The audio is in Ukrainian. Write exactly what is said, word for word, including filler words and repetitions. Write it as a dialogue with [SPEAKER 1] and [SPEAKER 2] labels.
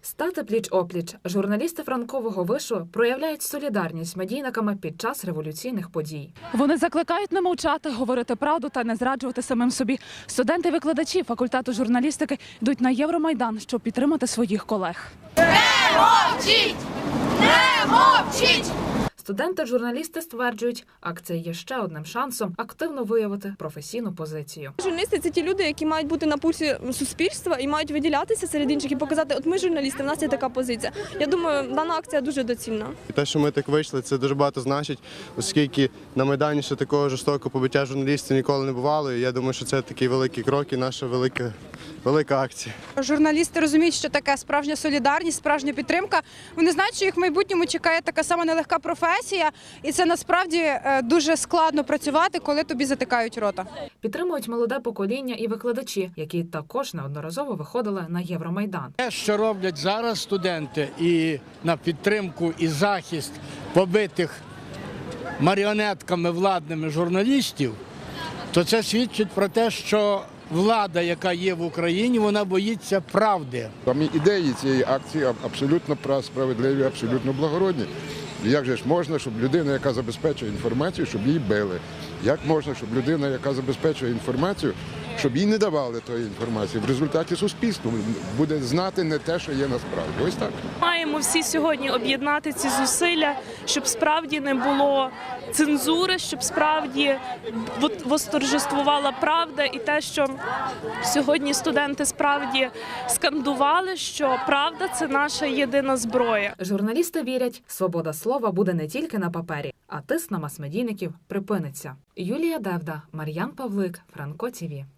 [SPEAKER 1] Стати пліч-опліч. Журналісти Франкового вишу проявляють солідарність з медійниками під час революційних подій.
[SPEAKER 2] Вони закликають не мовчати, говорити правду та не зраджувати самим собі. Студенти-викладачі факультету журналістики йдуть на Євромайдан, щоб підтримати своїх колег.
[SPEAKER 3] Не мовчіть! Не мовчіть!
[SPEAKER 1] Студенти-журналісти стверджують, акція є ще одним шансом активно виявити професійну позицію.
[SPEAKER 4] Журналісти – це ті люди, які мають бути на пульсі суспільства і мають виділятися серед інших і показати, от ми журналісти, в нас є така позиція. Я думаю, дана акція дуже доцільна.
[SPEAKER 5] Те, що ми так вийшли, це дуже багато значить, оскільки на Майдані ще такого жорстокого побиття журналістів ніколи не бувало. І я думаю, що це такий великий крок і наша велика, велика акція.
[SPEAKER 6] Журналісти розуміють, що таке справжня солідарність, справжня підтримка. Вони знають, що їх в майбутньому чекає така сама нелегка професія, і це насправді дуже складно працювати, коли тобі затикають рота.
[SPEAKER 1] Підтримують молоде покоління і викладачі, які також неодноразово виходили на Євромайдан.
[SPEAKER 7] Те, що роблять зараз студенти і на підтримку і захист побитих маріонетками владними журналістів, то це свідчить про те, що влада, яка є в Україні, вона боїться правди.
[SPEAKER 8] Самі ідеї цієї акції абсолютно справедливі, абсолютно благородні. Як же ж можна, щоб людина, яка забезпечує інформацію, щоб її били? Як можна, щоб людина, яка забезпечує інформацію, щоб їй не давали тої інформації? В результаті суспільство буде знати не те, що є насправді. Ось так.
[SPEAKER 9] Маємо всі сьогодні об'єднати ці зусилля, щоб справді не було цензури, щоб справді восторжествувала правда і те, що сьогодні студенти справді скандували, що правда – це наша єдина зброя.
[SPEAKER 1] Журналісти вірять, свобода слова буде не тільки на папері, а тиск на мас-медійників припиниться. Юлія Девда, Мар'ян Павлик, Франко ТІВІ.